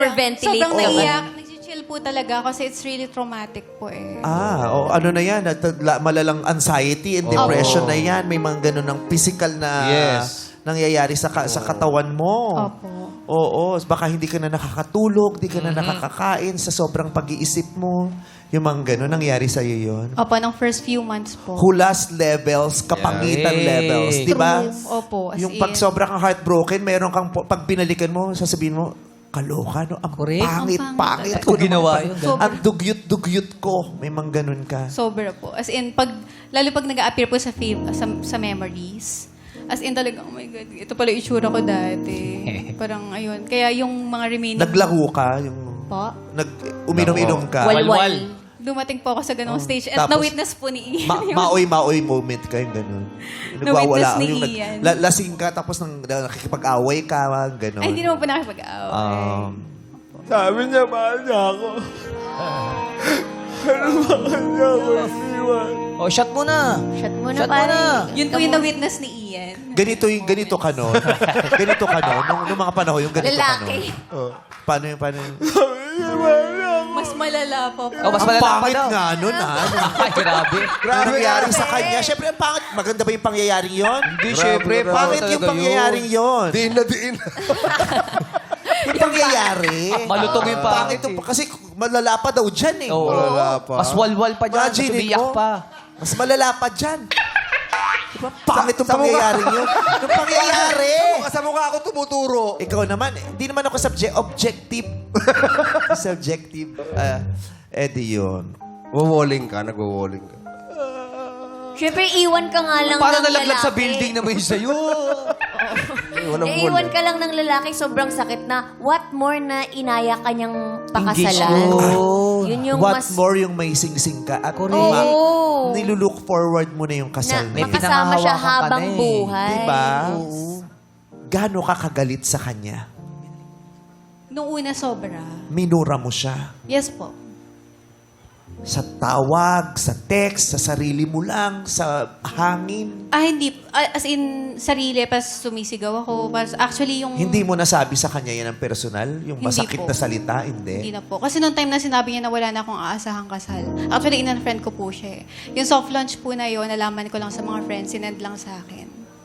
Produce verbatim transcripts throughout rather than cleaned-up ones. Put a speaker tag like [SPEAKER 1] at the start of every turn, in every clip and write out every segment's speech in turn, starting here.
[SPEAKER 1] Hyperventilate.
[SPEAKER 2] Sobrang
[SPEAKER 1] Oo.
[SPEAKER 2] naiyak. Nag-chill po talaga kasi it's really traumatic po eh.
[SPEAKER 3] Ah, o ano na yan, at- la- malalang anxiety and depression na yan. May mga ganun ng physical na
[SPEAKER 4] Yes.
[SPEAKER 3] nangyayari sa ka- sa katawan mo.
[SPEAKER 2] Opo.
[SPEAKER 3] Oo, baka hindi ka na nakakatulog, hindi ka na nakakakain sa sobrang pag-iisip mo. Yung mga ganun, nangyari sa'yo yun.
[SPEAKER 2] Opo, ng first few months po.
[SPEAKER 3] Hulas levels, kapangitan
[SPEAKER 4] Yeah.
[SPEAKER 3] levels, di ba?
[SPEAKER 2] True. Opo, as
[SPEAKER 3] Yung
[SPEAKER 2] in.
[SPEAKER 3] pag sobrang kang heartbroken, meron kang, po- pag binalikan mo, sasabihin mo, kaloka, no? Ang
[SPEAKER 4] Correct.
[SPEAKER 3] pangit,
[SPEAKER 2] Ang
[SPEAKER 3] pangit.
[SPEAKER 2] pangit.
[SPEAKER 3] ko
[SPEAKER 4] Kung ginawa
[SPEAKER 3] naman.
[SPEAKER 4] yun,
[SPEAKER 2] ganun.
[SPEAKER 3] Ang dugyot-dugyot ko. May mga ganun ka.
[SPEAKER 2] Sobra po. As in, pag, lalo pag nag-a-appear po sa, fav- sa, sa memories, as in talaga, oh my God, ito pala yung itsura ko dati. Parang, ayun. Kaya yung mga remaining...
[SPEAKER 3] Naglaho ka, yung
[SPEAKER 2] Po,
[SPEAKER 3] nag uminom-inom ka.
[SPEAKER 1] Walwal.
[SPEAKER 2] dumating po ako sa ganong stage.
[SPEAKER 3] Oh.
[SPEAKER 2] At
[SPEAKER 3] Tapos,
[SPEAKER 2] na-witness po ni Ian.
[SPEAKER 3] Ma-
[SPEAKER 2] yun.
[SPEAKER 3] maoy-maoy moment ka, yung ganun.
[SPEAKER 2] Na-witness ni
[SPEAKER 3] yung nag-
[SPEAKER 2] Ian.
[SPEAKER 3] la- lasing ka, tapos nang, na, nakikipag-away ka, ganun.
[SPEAKER 2] Ay, hindi naman po nakipag-away.
[SPEAKER 3] Um,
[SPEAKER 4] Sabi niya, mahal niya ako. Pero bakit niya ako iniwan? Oh, shot mo na.
[SPEAKER 1] Shot mo na,
[SPEAKER 4] Shot mo
[SPEAKER 1] pare.
[SPEAKER 4] na.
[SPEAKER 2] Yun po yung na-witness ni Ian.
[SPEAKER 3] ganito yung ganito ka no. ganito ka no. Nung, nung mga panahon, yung ganito ka no.
[SPEAKER 1] Lalaki.
[SPEAKER 3] Paano yung, paano yung...
[SPEAKER 2] Mas malala po.
[SPEAKER 4] Oh, mas
[SPEAKER 3] Ang
[SPEAKER 4] malala pa
[SPEAKER 3] pangit
[SPEAKER 4] daw.
[SPEAKER 3] nga nun, ha?
[SPEAKER 4] Ay, grabe.
[SPEAKER 3] Grabe nangyari sa kanya. Siyempre, ang pangit. Maganda ba yung pangyayaring yon?
[SPEAKER 4] Hindi, syempre.
[SPEAKER 3] Pangit yung pangyayaring yon.
[SPEAKER 5] Diin na diin.
[SPEAKER 3] Yung pangyayari.
[SPEAKER 4] Malutong yung pangit
[SPEAKER 3] Pangit yung-
[SPEAKER 4] eh.
[SPEAKER 3] Kasi malala pa daw dyan eh.
[SPEAKER 4] Oo.
[SPEAKER 5] Malala pa.
[SPEAKER 4] Mas walwal pa dyan. Mas
[SPEAKER 3] Imagine
[SPEAKER 4] umiyak
[SPEAKER 3] mo.
[SPEAKER 4] pa.
[SPEAKER 3] Mas malala pa dyan. Diba? Pangit yung pangyayaring yun. Yung pangyayari.
[SPEAKER 5] Sa mukha ako tumuturo.
[SPEAKER 3] Ikaw naman, eh, hindi naman ako subject, objective. Subjective. Ah, edi yun.
[SPEAKER 5] Wawaling ka, nagwawaling ka.
[SPEAKER 1] Siyempre, iwan ka nga lang
[SPEAKER 4] Para
[SPEAKER 1] ng
[SPEAKER 4] nalaglag
[SPEAKER 1] lalaki.
[SPEAKER 4] sa building naman yun sa'yo.
[SPEAKER 5] Walang
[SPEAKER 1] Eh, iwan ka lang ng lalaki, sobrang sakit na. What more na inaya kanyang pakasalan?
[SPEAKER 4] Oh.
[SPEAKER 1] Yun yung
[SPEAKER 3] What
[SPEAKER 1] mas...
[SPEAKER 3] more yung may sing-sing ka at
[SPEAKER 4] Correct.
[SPEAKER 3] ma-
[SPEAKER 1] Oo.
[SPEAKER 3] nilulook forward mo na yung
[SPEAKER 1] Na
[SPEAKER 3] kasal
[SPEAKER 4] May
[SPEAKER 3] mo.
[SPEAKER 1] makasama siya
[SPEAKER 4] pinangahawakan ka
[SPEAKER 1] habang
[SPEAKER 4] na eh.
[SPEAKER 1] buhay.
[SPEAKER 3] Diba?
[SPEAKER 1] Yes.
[SPEAKER 3] Gaano ka kagalit sa kanya?
[SPEAKER 2] Nung una, sobra.
[SPEAKER 3] Minura mo siya.
[SPEAKER 2] Yes po.
[SPEAKER 3] Sa tawag, sa text, sa sarili mo lang, sa hangin.
[SPEAKER 2] Ah, hindi. Ah, as in, sarili, pas sumisigaw ako. Pas, actually, yung...
[SPEAKER 3] Hindi mo nasabi sa kanya yan ang personal? Yung
[SPEAKER 2] Hindi
[SPEAKER 3] masakit
[SPEAKER 2] po.
[SPEAKER 3] na salita?
[SPEAKER 2] Hindi
[SPEAKER 3] Hindi.
[SPEAKER 2] na po. Kasi noong time na sinabi niya na wala na akong aasahang kasal. Actually, in-unfriend ko po siya eh. Yung soft launch po na yun, nalaman ko lang sa mga friends, sinend lang sa akin.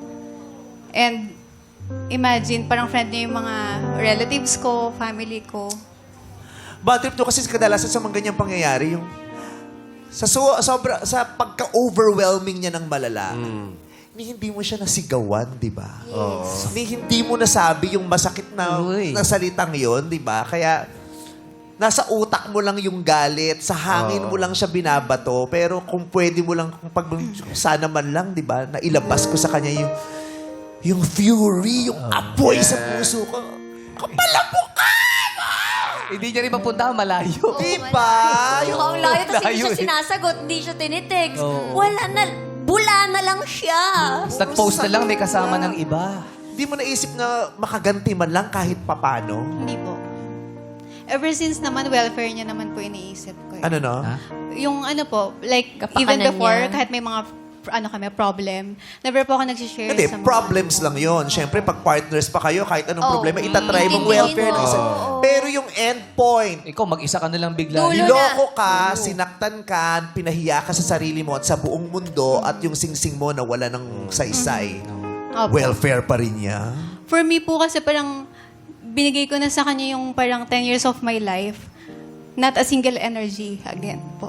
[SPEAKER 2] And imagine, parang friend niya yung mga relatives ko, family ko.
[SPEAKER 3] Bad trip to kasi kadalasan sa mga ganyang pangyayari, yung sa so, sobra, sa pagka-overwhelming niya ng malala, ni hindi mo siya nasigawan, di ba? Ni hindi mo nasabi yung masakit na,
[SPEAKER 4] Uy.
[SPEAKER 3] na salitang yon, di ba? Kaya nasa utak mo lang yung galit, sa hangin mo lang siya binabato, pero kung pwede mo lang, kung pag sana man lang, di ba, na ilabas ko sa kanya yung yung fury, yung apoy sa puso ko. Kapalapok ka!
[SPEAKER 4] Hindi niya rin mapunta, malayo.
[SPEAKER 3] Di ba?
[SPEAKER 1] Yung ang layo, tapos hindi
[SPEAKER 4] Layo
[SPEAKER 1] siya
[SPEAKER 4] eh.
[SPEAKER 1] sinasagot, hindi siya tinitext.
[SPEAKER 4] Oo.
[SPEAKER 1] Wala na, bula na lang siya.
[SPEAKER 4] Tapos nag-post na lang, may kasama ng iba.
[SPEAKER 3] Di mo naisip na makaganti man lang kahit papano?
[SPEAKER 2] Hindi po. Ever since naman, welfare niya naman po iniisip ko. eh.
[SPEAKER 3] Ano no?
[SPEAKER 4] Ha?
[SPEAKER 2] Yung ano po, like,
[SPEAKER 1] Kapakanan
[SPEAKER 2] even before,
[SPEAKER 1] niya.
[SPEAKER 2] kahit may mga ano kami, problem, never po ako nagsishare
[SPEAKER 3] Hindi,
[SPEAKER 2] sa mga...
[SPEAKER 3] problems lang yon. Siyempre, pag partners pa kayo, kahit anong
[SPEAKER 1] Oh,
[SPEAKER 3] problema, itatry mong
[SPEAKER 1] intindihin
[SPEAKER 3] welfare.
[SPEAKER 1] mo.
[SPEAKER 3] ng isa.
[SPEAKER 1] Oo.
[SPEAKER 3] Pero yung end point,
[SPEAKER 4] Ikaw, mag-isa ka na lang bigla.
[SPEAKER 1] Dulo.
[SPEAKER 3] niloko ka, sinaktan ka, pinahiya ka sa sarili mo at sa buong mundo at yung singsing mo na wala ng saysay.
[SPEAKER 2] Opo.
[SPEAKER 3] Welfare pa rin niya.
[SPEAKER 2] For me po kasi parang binigay ko na sa kanya yung parang ten years of my life. Not a single energy again po.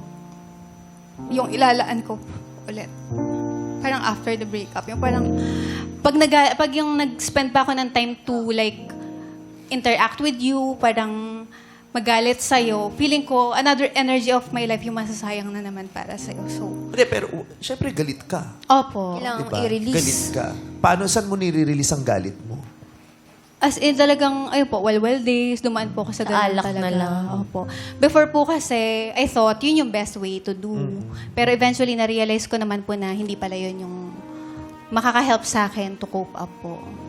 [SPEAKER 2] Yung ilalaan ko ulit. Parang after the breakup. Yung parang, pag, nag, pag yung nag-spend pa ako ng time to like, interact with you, parang magalit sa'yo, feeling ko, another energy of my life yung masasayang na naman para sa'yo. So,
[SPEAKER 3] Hindi, pero uh, siyempre galit ka.
[SPEAKER 2] opo.
[SPEAKER 1] Kailangan
[SPEAKER 3] Diba?
[SPEAKER 1] i-release.
[SPEAKER 3] Galit ka. Paano, saan mo nire-release ang galit mo?
[SPEAKER 2] As in, talagang, ayun po, walwal days, dumaan po ako sa
[SPEAKER 1] Sa
[SPEAKER 2] ganun
[SPEAKER 1] alak na
[SPEAKER 2] talaga.
[SPEAKER 1] lang.
[SPEAKER 2] Opo. Before po kasi, I thought, yun yung best way to do. Pero eventually, na-realize ko naman po na hindi pala yun yung makaka-help sa akin to cope up po.